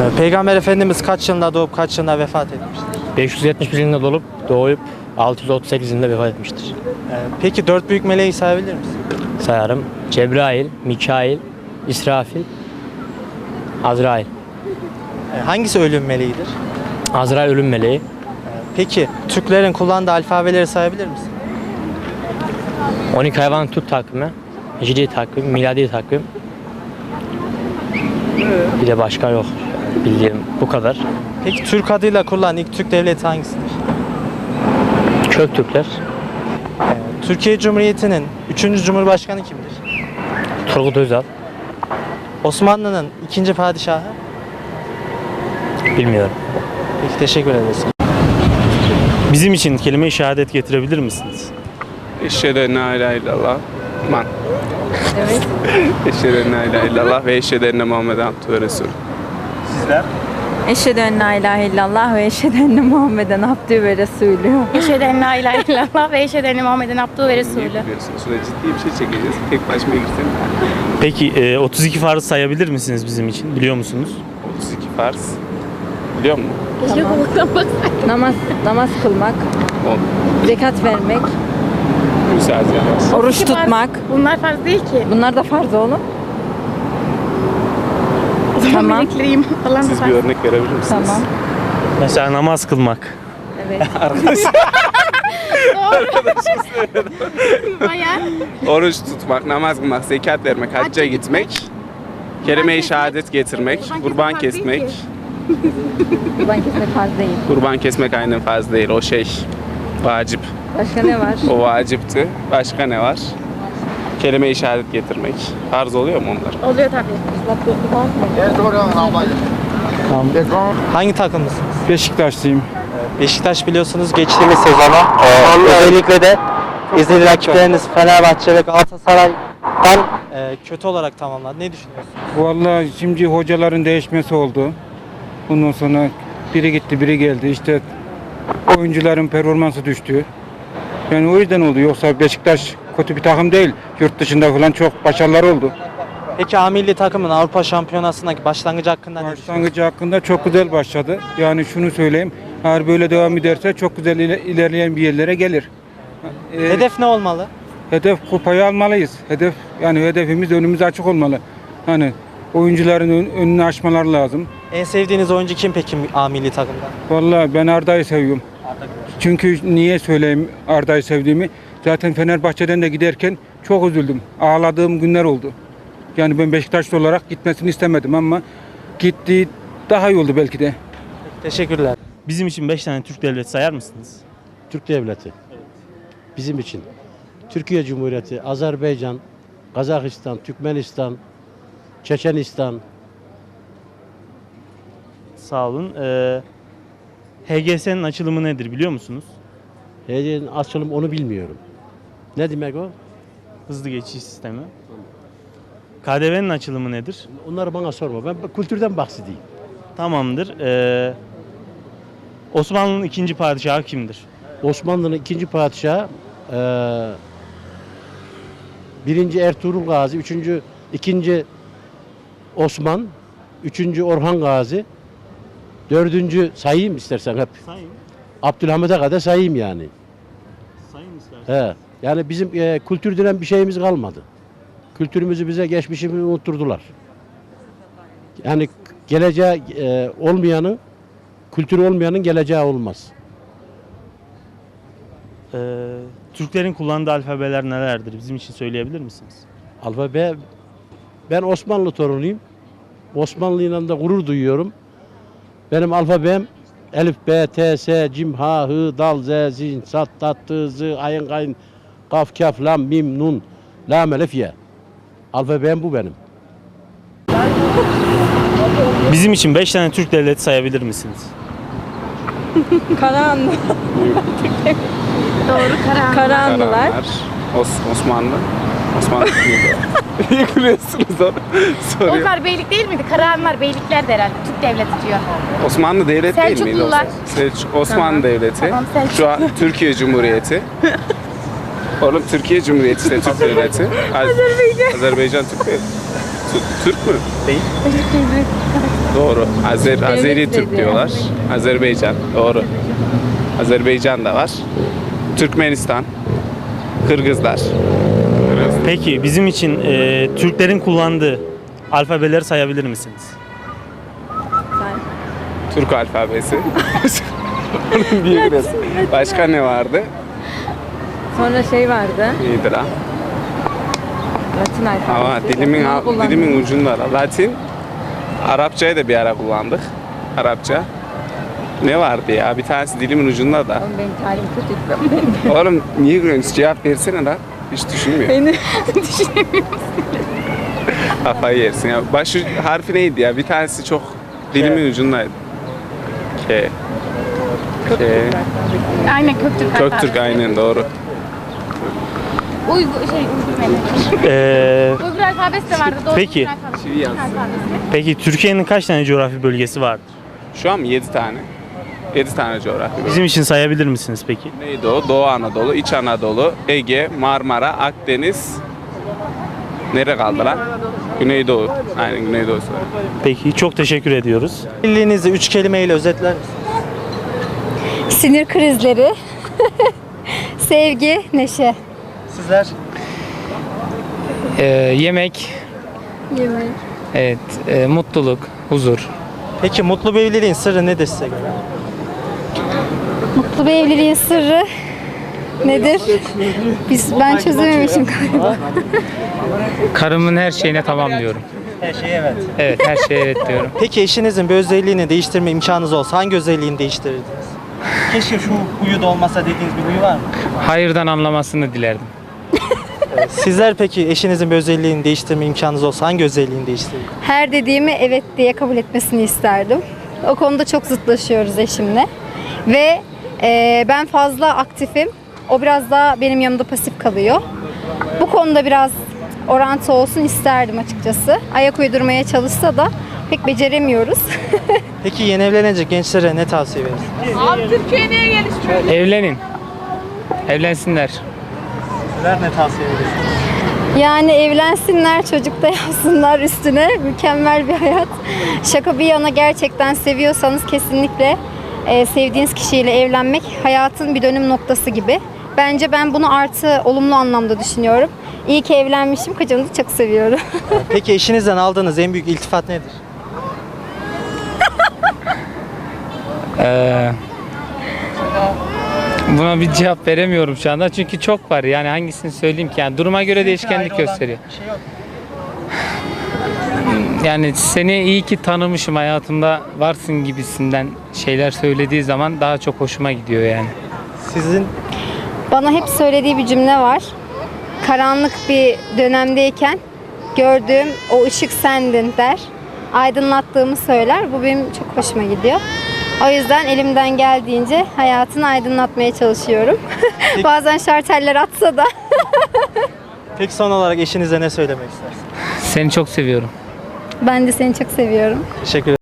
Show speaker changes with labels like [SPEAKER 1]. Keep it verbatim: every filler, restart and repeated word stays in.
[SPEAKER 1] Ee, Peygamber Efendimiz kaç yılında doğup kaç yılında vefat etmiştir?
[SPEAKER 2] beş yüz yetmiş bir yılında dolup doğup altı yüz otuz sekiz yılında vefat etmiştir.
[SPEAKER 1] Ee, peki dört büyük meleği sayabilir misin?
[SPEAKER 2] Sayarım. Cebrail, Mikail, İsrafil, Azrail.
[SPEAKER 1] Ee, hangisi ölüm meleğidir?
[SPEAKER 2] Azrail ölüm meleği.
[SPEAKER 1] Peki Türklerin kullandığı alfabeleri sayabilir misin?
[SPEAKER 2] on iki hayvan tut takvimi, Hicri takvim, miladi takvim. Bir de başka yok. Bildiğim bu kadar.
[SPEAKER 1] Peki Türk adıyla kurulan ilk Türk devleti hangisidir?
[SPEAKER 2] Köktürkler,
[SPEAKER 1] Ee, Türkiye Cumhuriyeti'nin üçüncü Cumhurbaşkanı kimdir?
[SPEAKER 2] Turgut Özal,
[SPEAKER 1] Osmanlı'nın ikinci padişahı?
[SPEAKER 2] bilmiyorum.
[SPEAKER 1] Peki teşekkür ederiz.
[SPEAKER 3] Bizim için kelime-i şehadet getirebilir misiniz?
[SPEAKER 4] Eşhedü en la ilahe illallah. Man.
[SPEAKER 5] Evet.
[SPEAKER 4] Eşhedü en la ilahe illallah ve eşhedü enne Muhammeden abdühü ve resulü.
[SPEAKER 3] Sizler?
[SPEAKER 5] Eşhedü en la ilahe illallah ve eşhedü enne Muhammeden abdühü ve resulü.
[SPEAKER 6] Eşhedü en la ilahe illallah ve eşhedü enne Muhammeden abdühü ve resulü.
[SPEAKER 4] Biliyorsunuz şurada ciddi bir şey çekeceğiz. Tek başıma girsem.
[SPEAKER 3] Peki e, otuz iki farz sayabilir misiniz bizim için? Biliyor musunuz?
[SPEAKER 4] otuz iki farz. Biliyor musun?
[SPEAKER 5] Tamam. Namaz, namaz kılmak,
[SPEAKER 4] On.
[SPEAKER 5] zekat vermek,
[SPEAKER 4] Müsaade edersin.
[SPEAKER 5] oruç
[SPEAKER 6] İki farz.
[SPEAKER 5] tutmak.
[SPEAKER 6] Bunlar farz değil ki.
[SPEAKER 5] Bunlar da farz oğlum.
[SPEAKER 6] O zaman
[SPEAKER 5] Tamam.
[SPEAKER 6] melekliyim. Allah'ın
[SPEAKER 4] Siz bir
[SPEAKER 6] farz.
[SPEAKER 4] örnek verebilir misiniz?
[SPEAKER 5] Tamam.
[SPEAKER 3] Mesela namaz kılmak.
[SPEAKER 5] Evet.
[SPEAKER 6] Bayağı.
[SPEAKER 4] Oruç tutmak, namaz kılmak, zekat vermek, hacca gitmek, kelime-i şehadet getirmek,
[SPEAKER 6] Kurban
[SPEAKER 4] kurban
[SPEAKER 6] kesmek farz değil
[SPEAKER 4] kesmek.
[SPEAKER 6] ki.
[SPEAKER 5] Kurban kesmek farz değil.
[SPEAKER 4] Kurban kesmek aynen farz değil. O şey vacip.
[SPEAKER 5] Başka ne var?
[SPEAKER 4] O vacipti. Başka ne var? Kelime-i şehadet getirmek. Farz oluyor mu onlar?
[SPEAKER 6] Oluyor tabii.
[SPEAKER 1] Hangi takımlısınız?
[SPEAKER 7] Beşiktaşlıyım.
[SPEAKER 1] Beşiktaş biliyorsunuz geçtiğimiz sezona e, özellikle de izlediği rakipleriniz Fenerbahçe ve Galatasaray'dan e, kötü olarak tamamladı. Ne düşünüyorsunuz?
[SPEAKER 7] Vallahi şimdi hocaların değişmesi oldu. Bundan sonra biri gitti, biri geldi. İşte oyuncuların performansı düştü. Yani o yüzden oldu. Yoksa Beşiktaş kötü bir takım değil. Yurt dışında falan çok başarılar oldu.
[SPEAKER 1] Peki A milli takımın Avrupa Şampiyonası'ndaki başlangıcı hakkında ne düşünüyorsunuz?
[SPEAKER 7] Başlangıcı hakkında çok güzel başladı. Yani şunu söyleyeyim. Eğer böyle devam ederse çok güzel ile- ilerleyen bir yerlere gelir. Ee,
[SPEAKER 1] Hedef ne olmalı?
[SPEAKER 7] Hedef kupayı almalıyız. Hedef yani hedefimiz önümüz açık olmalı. Hani oyuncuların ön- önünü açmaları lazım.
[SPEAKER 1] En sevdiğiniz oyuncu kim peki A milli takımda?
[SPEAKER 7] Vallahi ben Arda'yı seviyorum. Çünkü niye söyleyeyim Arda'yı sevdiğimi? Zaten Fenerbahçe'den de giderken çok üzüldüm. Ağladığım günler oldu. Yani ben Beşiktaşlı olarak gitmesini istemedim ama gitti daha iyi oldu belki de.
[SPEAKER 1] Teşekkürler.
[SPEAKER 3] Bizim için beş tane Türk devleti sayar mısınız?
[SPEAKER 8] Türk devleti. Bizim için. Türkiye Cumhuriyeti, Azerbaycan, Kazakistan, Türkmenistan, Çeçenistan.
[SPEAKER 3] Sağ olun. Ee, H G S'nin açılımı nedir biliyor musunuz?
[SPEAKER 8] H D'nin açılım onu bilmiyorum. Ne demek o?
[SPEAKER 3] Hızlı geçiş sistemi. K D V'nin açılımı nedir?
[SPEAKER 8] Onları bana sorma. Ben kültürden bahsedeyim.
[SPEAKER 3] Tamamdır. Ee, Osmanlı'nın ikinci padişahı kimdir?
[SPEAKER 8] Osmanlı'nın ikinci padişahı eee birinci Ertuğrul Gazi, üçüncü, ikinci Osman, üçüncü Orhan Gazi, dördüncü sayayım istersen hep.
[SPEAKER 3] Sayın.
[SPEAKER 8] Abdülhamid'e kadar sayayım yani.
[SPEAKER 3] Sayın istersen.
[SPEAKER 8] He. Yani bizim e, kültür denen bir şeyimiz kalmadı. Kültürümüzü bize, geçmişimizi unutturdular. Yani geleceği e, olmayanın, kültürü olmayanın geleceği olmaz.
[SPEAKER 3] Ee, Türklerin kullandığı alfabeler nelerdir? Bizim için söyleyebilir misiniz?
[SPEAKER 8] Alfabe, ben Osmanlı torunuyum. Osmanlı'yla da gurur duyuyorum. Benim alfabem Elif, B, T, S, Cim, Ha, Hı, Dal, Z, Zin, Sat, Tat, Tı, Zı, Ayın, Gayn, Kaf, Kaf, Lam, Mim, Nun, Lam, Elif, Ye. Alfabem bu benim.
[SPEAKER 3] Bizim için beş tane Türk devleti sayabilir misiniz?
[SPEAKER 5] Karahanlı.
[SPEAKER 6] Doğru karar.
[SPEAKER 5] Karahanlılar.
[SPEAKER 4] Karahanlar, Os- Osmanlı. Osmanlı kimdi? Niye gülüyorsunuz onu? Soruyor.
[SPEAKER 6] Onlar beylik değil miydi? Karahanlar beylikler de herhalde. Türk devleti diyor.
[SPEAKER 4] Osmanlı devlet değil miydi? o?
[SPEAKER 6] Selçuklular.
[SPEAKER 4] Selçuk, Osmanlı
[SPEAKER 6] Tamam.
[SPEAKER 4] devleti.
[SPEAKER 6] Tamam, Selçuk.
[SPEAKER 4] Şu an Türkiye Cumhuriyeti. Oğlum Türkiye Cumhuriyeti işte Türk devleti. Azerbaycan. Azerbaycan Türk devleti. Türk, Türk mü?
[SPEAKER 6] Beylik değil.
[SPEAKER 4] Doğru. Azer, Azeri Türk
[SPEAKER 5] dedi.
[SPEAKER 4] diyorlar. Azerbaycan. Doğru. Azerbaycan da var. Türkmenistan. Kırgızlar.
[SPEAKER 3] Peki bizim için e, Türklerin kullandığı alfabeleri sayabilir misiniz?
[SPEAKER 4] Türk alfabesi. Onun bir biraz. Başka ne vardı?
[SPEAKER 5] Sonra şey vardı.
[SPEAKER 4] İyidir ha.
[SPEAKER 5] Latin alfabesi.
[SPEAKER 4] Ama dilimin
[SPEAKER 5] Onu kullandım.
[SPEAKER 4] dilimin ucunda. Latin. Arapçayı da bir ara kullandık. Arapça. Ne vardı ya? Bir tanesi dilimin ucunda da.
[SPEAKER 5] Oğlum benim talim kötü.
[SPEAKER 4] Oğlum niye gülüyorsun? Cevap versene lan. Hiç düşünmüyor.
[SPEAKER 5] Beni
[SPEAKER 4] Kafayı yersin ya. Başı harfi neydi ya? Bir tanesi çok dilimin ucundaydı. K. K.
[SPEAKER 6] Aynen Köktürk
[SPEAKER 4] Köktürk
[SPEAKER 6] alfabesi.
[SPEAKER 4] aynen doğru.
[SPEAKER 6] Uygur, şey Uygur medeniyeti.
[SPEAKER 3] E,
[SPEAKER 6] Uygur alfabesi de vardı. Doğru.
[SPEAKER 3] Peki.
[SPEAKER 6] Uygur alfabesi.
[SPEAKER 4] Çivi yansın.
[SPEAKER 6] Alfabesi.
[SPEAKER 3] peki Türkiye'nin kaç tane coğrafi bölgesi var?
[SPEAKER 4] Şu an yedi tane. yedi tane coğrafya.
[SPEAKER 3] Bizim için sayabilir misiniz peki?
[SPEAKER 4] Güneydoğu, Doğu Anadolu, İç Anadolu, Ege, Marmara, Akdeniz. Nere kaldı lan? Güneydoğu. Aynen Güneydoğu.
[SPEAKER 3] Peki çok teşekkür ediyoruz.
[SPEAKER 1] Evliliğinizi üç kelimeyle özetler misiniz?
[SPEAKER 9] Sinir krizleri, sevgi, neşe.
[SPEAKER 1] Sizler?
[SPEAKER 2] Ee, yemek,
[SPEAKER 9] Yemek.
[SPEAKER 2] evet, e, mutluluk, huzur.
[SPEAKER 1] Peki mutlu bir evliliğin sırrı nedir size göre?
[SPEAKER 9] Mutlu bir evliliğin sırrı nedir? Biz ben çözememişim galiba.
[SPEAKER 2] Karımın her şeyine tamam diyorum.
[SPEAKER 1] Her şey evet.
[SPEAKER 2] Evet, her şeye evet diyorum.
[SPEAKER 1] Peki eşinizin bir özelliğini değiştirme imkanınız olsa hangi özelliğini değiştirirdiniz? Keşke şu huyu da olmasa dediğiniz bir huyu var mı?
[SPEAKER 2] Hayırdan anlamasını dilerdim.
[SPEAKER 1] Sizler peki eşinizin bir özelliğini değiştirme imkanınız olsa hangi özelliğini değiştirirdiniz?
[SPEAKER 9] Her dediğimi evet diye kabul etmesini isterdim. O konuda çok zıtlaşıyoruz eşimle. Ve e, ben fazla aktifim. O biraz daha benim yanımda pasif kalıyor. Bu konuda biraz orantı olsun isterdim açıkçası. Ayak uydurmaya çalışsa da pek beceremiyoruz.
[SPEAKER 1] Peki yeni evlenecek gençlere ne tavsiye verirsiniz?
[SPEAKER 2] Evlenin. Evlensinler.
[SPEAKER 1] Sizler ne tavsiye verirsiniz?
[SPEAKER 9] Yani evlensinler, çocuk da yapsınlar üstüne. Mükemmel bir hayat. Şaka bir yana gerçekten seviyorsanız kesinlikle e, sevdiğiniz kişiyle evlenmek hayatın bir dönüm noktası gibi. Bence ben bunu artı olumlu anlamda düşünüyorum. İyi ki evlenmişim, kocamı da çok seviyorum.
[SPEAKER 1] Peki eşinizden aldığınız en büyük iltifat nedir?
[SPEAKER 2] Ee, buna bir cevap veremiyorum şu anda çünkü çok var. Yani hangisini söyleyeyim ki? Yani duruma göre değişkenlik gösteriyor. Yani seni iyi ki tanımışım, hayatımda varsın gibisinden şeyler söylediği zaman daha çok hoşuma gidiyor yani.
[SPEAKER 1] Sizin
[SPEAKER 9] Bana hep söylediği bir cümle var. Karanlık bir dönemdeyken gördüğüm o ışık sendin der. Aydınlattığımı söyler. Bu benim çok hoşuma gidiyor. O yüzden elimden geldiğince hayatını aydınlatmaya çalışıyorum. Bazen şarteller atsa da.
[SPEAKER 1] peki son olarak eşinize ne söylemek istersiniz?
[SPEAKER 2] Seni çok seviyorum.
[SPEAKER 9] Ben de seni çok seviyorum.
[SPEAKER 1] Teşekkür ederim.